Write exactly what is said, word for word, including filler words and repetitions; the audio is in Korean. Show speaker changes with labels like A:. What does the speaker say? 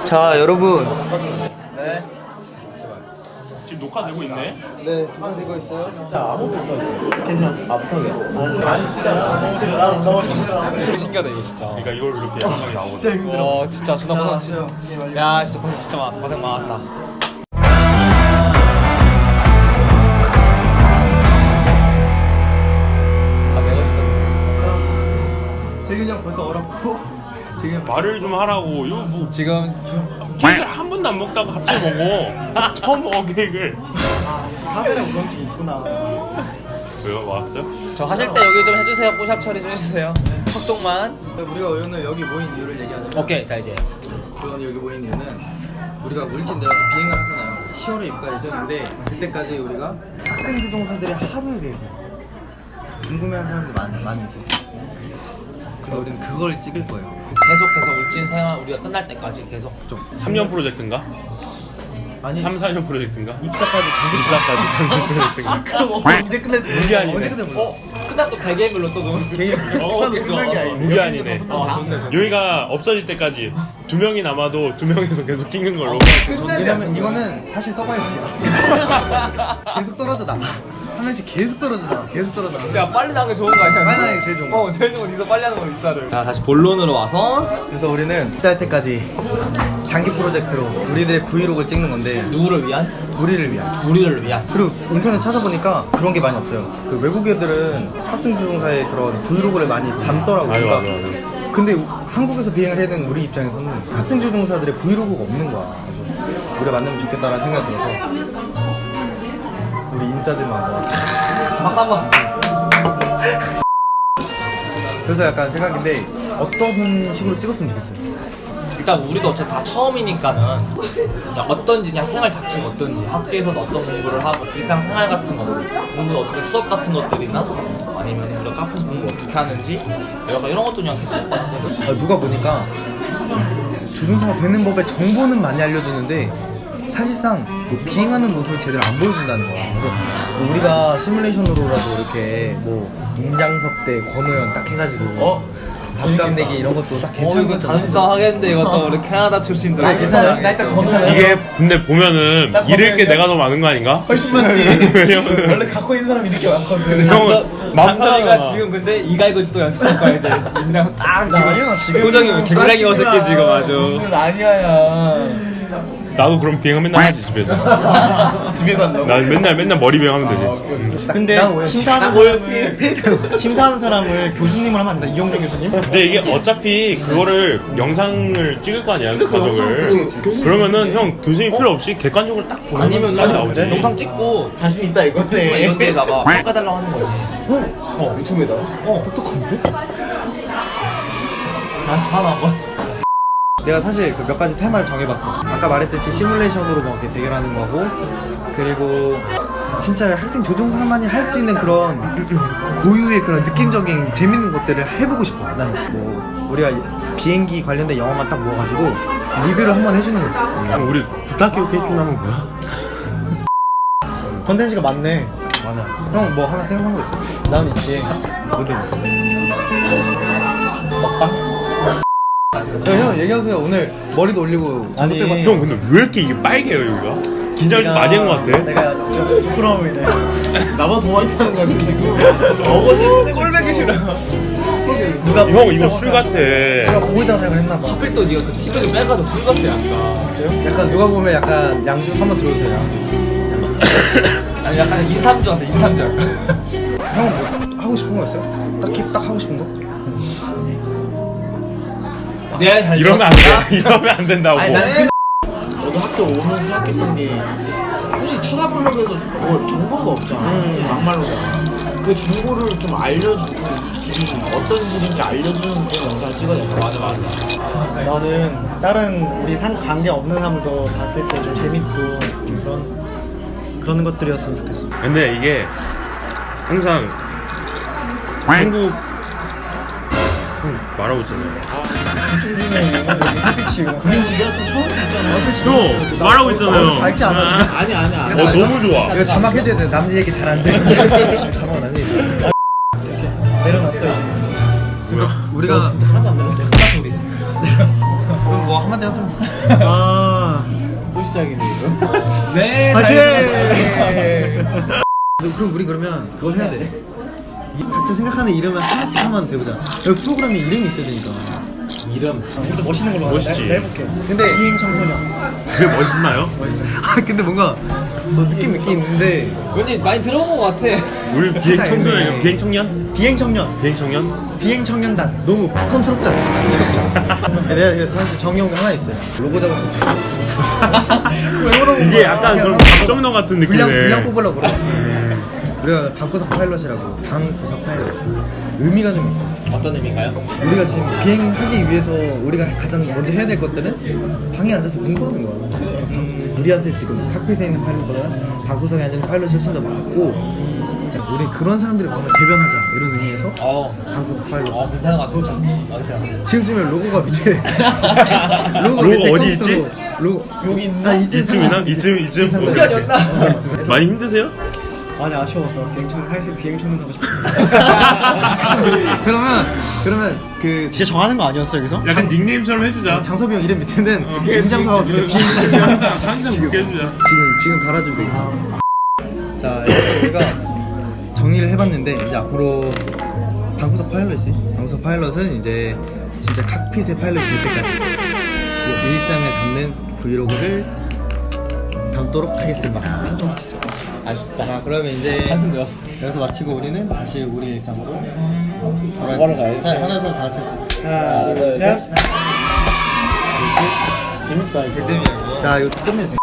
A: 자 여러분.
B: 네.
C: 지금 녹화되고 있네?
A: 네 녹화되고 있어요.
B: 진짜 아무것도 못하겠어. 괜찮아. 아 못하게.
A: 아니 진짜 진짜 나 너무
B: 진짜 신기하다 이거 진짜.
C: 그러니까 이걸 이렇게 영상이 나오거든.
A: 진짜 힘들어.
B: 어 진짜 존나 고생 진짜. 야 진짜 고생 진짜 많 고생 많았다. 아 내가 진짜.
A: 재균이 형 벌써 얼었고. 재균이 형
C: 말을 좀 하라고. 이거 뭐
B: 지금
C: 케이크를 한 번도 안 먹다가 갑자기 먹어. 처음 먹어 케이크를.
A: 카메라 우렁증 있구나.
C: 왜요? 왔어요?
B: 저 하실 때 여기 좀 해주세요. 뽀샵 처리 좀 해주세요. 톡톡만.
A: 우리가 오늘 여기 모인 이유를 얘기하자면.
B: 오케이 자 이제.
A: 우리가 오늘 여기 모인 이유는 우리가 울진 내려서 비행을 하잖아요. 시월에 입가 예정인데 그때까지 우리가 학생 주동사들의 하루에 대해서 궁금해하는 사람들이 많이, 많이 있었어요. 그래서 우리는 그걸 찍을 거예요.
B: 계속해서 울진 생활 우리가 끝날 때까지 계속 좀.
C: 삼 년 프로젝트인가?
A: 아니
C: 삼, 사 년 프로젝트인가?
A: 입사까지 장기
C: 입사까지 삼 년 프로젝트인가?
A: 그럼 언제 끝날 줄
C: 무기한이네.
A: 언제 끝날 줄
B: 어 끝날 또 대개별로 또 좀.
A: 개인
B: 어 오케이 좋아.
C: 무기한이네.
B: 아 좋네 좋네.
C: 여기가 없어질 때까지 두 명이 남아도 두 명에서 계속 찍는 걸로.
A: 왜냐면 이거는 사실 서바이벌이야. 계속 떨어져 나. 한 명씩 계속 떨어져 나. 계속 떨어져 나.
B: 야 빨리 나는 게 좋은 거 아니야?
A: 빨리 나는 게 제일 좋은 거.
B: 어 제일 좋은 건 이서 빨리 하는 거 입사를. 자 다시 본론으로 와서
A: 그래서 우리는 입사할 때까지 장기 프로젝트로 우리들의 브이로그를 찍는 건데
B: 누구를 위한?
A: 우리를 위한.
B: 우리를 위한.
A: 그리고 인터넷 찾아보니까 그런 게 많이 없어요. 그 외국 애들은 학생 주동사의 그런 브이로그를 많이 담더라고.
C: 맞아,
A: 그러니까
C: 맞아, 맞아.
A: 근데 우- 한국에서 비행을 해야 되는 우리 입장에서는 학생 주동사들의 브이로그가 없는 거야. 그래서 우리가 만들면 좋겠다라는 생각이 들어서 우리 인싸들만 와.
B: 박수 한번.
A: 그래서 약간 생각인데 어떤 식으로 찍었으면 좋겠어요.
B: 일단 우리도 어차피 다 처음이니까는 그냥 어떤지 그냥 생활 자체가 어떤지 학교에서는 어떤 공부를 하고 일상생활 같은 것들 공부 어떻게 수업 같은 것들이나 아니면 우리가 카페에서 공부 어떻게 하는지 약간 이런 것도 그냥 괜찮을 것 같은데.
A: 아, 누가 보니까 조종사가 되는 법의 정보는 많이 알려주는데 사실상 뭐 비행하는 모습을 제대로 안 보여준다는 거야. 그래서 뭐 우리가 시뮬레이션으로라도 이렇게 뭐 임장석 대 권호연 딱 해가지고
B: 어?
A: 밥값 내기 이런 것도 딱
B: 어
A: 괜찮은
B: 이거
A: 거잖아.
B: 단수상 하겠는데 이것도 우리 캐나다 출신들.
A: 아, 괜찮아요. 나 일단 건너요.
C: 이게 근데 보면은 잃을 게 내가 더 많은 거 아닌가?
A: 훨씬 많지.
C: 왜냐면
A: 원래 갖고 있는 사람이 이렇게 많거든.
C: 형은
B: 만다이가
C: 맘다가
B: 지금 근데 이가 이거 또 연습할 거야 이제. 그냥 딱
A: 나 아니야,
B: 지금
A: 지금.
B: 표정이 굉장히 어색해 지금 아주.
A: 무슨 아니야야.
C: 나도 그럼 비행 맨날 하지 집에서.
A: 집에서 한다고?
C: 난 맨날 맨날 머리 비행하면 되지.
A: 근데 심사하는 사람을 심사하는 사람을 교수님을 하면 안 된다. 이용정 교수님?
C: 근데 이게 어차피 그거를 영상을 찍을 거 아니야 그 과정을.
A: 그치, 그치.
C: 그러면은 형 교수님 필요 없이 객관적으로 딱 보면
B: 아니면
C: 딱 나오지.
B: 영상 찍고
A: 자신 있다 이건데.
B: 유튜브 이런 데다가 바꿔달라고 하는 거지.
A: 어? 유튜브에다가?
B: 어.
A: 똑똑한데?
B: 나한테 하나 한번.
A: 내가 사실 그 몇 가지 테마를 정해봤어. 아까 말했듯이 시뮬레이션으로 뭐 이렇게 대결하는 거고, 그리고 진짜 학생 조종사만이 할 수 있는 그런 고유의 그런 느낌적인 재밌는 것들을 해보고 싶어. 난 뭐 우리가 비행기 관련된 영화만 딱 모아가지고 리뷰를 한번 해주는 거지.
C: 그럼 우리 부탁해요 케이크 하면 뭐야?
A: 컨텐츠가 많네. 많아. 형 뭐 하나 생각한 거 있어? 난 있지. 뭐든. 먹방? 형 얘기하세요. 오늘 머리도 올리고
D: 아니,
A: 전도 빼고
C: 형 근데 왜 이렇게 이게 빨개요 여기가? 긴장을 좀 많이 한 것 같아.
D: 내가 좀 부끄러움이네.
A: 나만 더 많이 타는 거 같은데 그거 어거지 꼴배기 싫어.
D: 누가
C: 형 이거 술 같아.
A: 내가 보고 있다고 생각을 했나봐.
B: 하필 또 네가 그 티백을 빼가지고 술 같아 약간.
A: 약간 누가 보면 약간 양주 한번 들어주세요. 양주.
B: 아니 약간 인삼주 같아 인삼주.
A: 형은 뭐 하고 싶은 거 있어요? 딱히 딱 하고 싶은 거?
B: 내가 잘
C: 이러면 안 돼. 이러면 안 된다고.
B: 아니 나는
E: 너도 학교 오면서 생각했던 게 혹시 찾아보려고 해도 뭐 정보가 없잖아.
A: 음.
E: 막말로 그 정보를 좀 알려주고 이 길이 어떤 길인지 알려주는 그런 영상을 찍어야 돼. 맞아 맞아.
D: 나는 다른 우리 상 관계 없는 사람도 봤을 때 좀 재밌고 좀 그런 그런 것들이었으면 좋겠어.
C: 근데 이게 항상 한국 형 말하고 있잖아요.
D: 햇빛이
C: 형 말하고 있잖아요.
A: 밝지 않아 지금?
E: 아니 아니 아니.
C: 어 너무 좋아.
A: 이거 자막 해줘야 돼. 남 얘기 잘 안 돼. 자막은 안 해.
D: 내려놨어 이제.
A: 우리가
E: 진짜 하나도 안 되는데.
A: 그럼 뭐 한마디 하자.
D: 아
E: 또 시작이네 이거.
B: 네,
A: 화이팅!
B: 잘
A: 그럼 우리 그러면 그거 해야 돼. 이- 각자 생각하는 이름을 하나씩 한번 대보자. 여기 프로그램에 이름이 있어야 되니까.
B: 이름.
D: 좀 멋있는 걸로
C: 멋있지.
D: 하자. 내가 해볼게.
A: 근데
D: 비행 청소년.
C: 그게 멋있나요?
A: 아 근데 뭔가 뭐 느낌 있긴 있는데
B: 왠지 많이 들어본 것 같아.
C: 우리 비행
A: 살짝
C: 청소년,
A: 애매해.
C: 비행 청년?
D: 비행 청년.
C: 비행 청년?
D: 비행 청년단.
A: 너무 부컴스럽잖아. 부컴스럽잖아. 내가 이거 사실 정해온 게 하나 있어요. 로고 작업도 들어갔어. 왜 물어본
C: 이게
A: 거야?
C: 약간
A: 그냥
C: 그런 박정너 같은
A: 분량 분량
C: 느낌이네.
A: 뽑으려고 그래. 우리가 방구석 파일럿이라고 방구석 파일럿. 의미가 좀 있어.
B: 어떤 의미인가요?
A: 우리가 지금 비행하기 위해서 우리가 가장 먼저 해야 될 것들은 방에 앉아서 공부하는 거야. 방- 우리한테 지금 칵핏에 있는 파일럿보다 방구석에 앉은 파일럿이 훨씬 더 많고 우리 그런 사람들이 마음을 대변하자 이런 의미에서
B: 어,
A: 방구석 파일럿.
B: 어, 괜찮은 것 같습니다. 좋지. 어, 괜찮았어.
A: 지금쯤에 로고가 밑에 로고가
C: 로고
A: 밑에
C: 어디
A: 컴퓨터로
C: 있지?
A: 로고
B: 여기 있나?
A: 아, 이쯤
C: 이쯤이나?
A: 상황.
C: 이쯤, 이쯤?
A: 상황.
B: 여기 아니었나?
C: 많이 힘드세요?
D: 많이 아쉬웠어. 비행 청 사실 비행 청년 하고 싶어.
A: 그러면 그러면 그
D: 진짜 정하는 거 아니었어 여기서?
C: 약간 닉네임처럼 해주자.
A: 장섭이 형 이름 밑에는
C: 어,
A: 임장사와 밑에 비행장사와
C: 항상, 항상
A: 지금.
C: 그렇게 해주자.
A: 지금 지금 달아주고 있어. 자 이렇게 우리가 정리를 해봤는데 이제 앞으로 방구석 파일럿이 방구석 파일럿은 이제 진짜 칵핏의 파일럿이 될 때까지 그 일상을 담는 브이로그를 담도록 하겠습니다.
B: 아쉽다.
A: 자 그러면 이제
B: 한숨 들었어.
A: 여기서 마치고 우리는 다시 우리 일상으로
B: 바로 가야지.
A: 자 하나 둘 다 같이
D: 하나 둘 셋.
E: 재밌다 이거.
A: 자 이거 끝내주세요.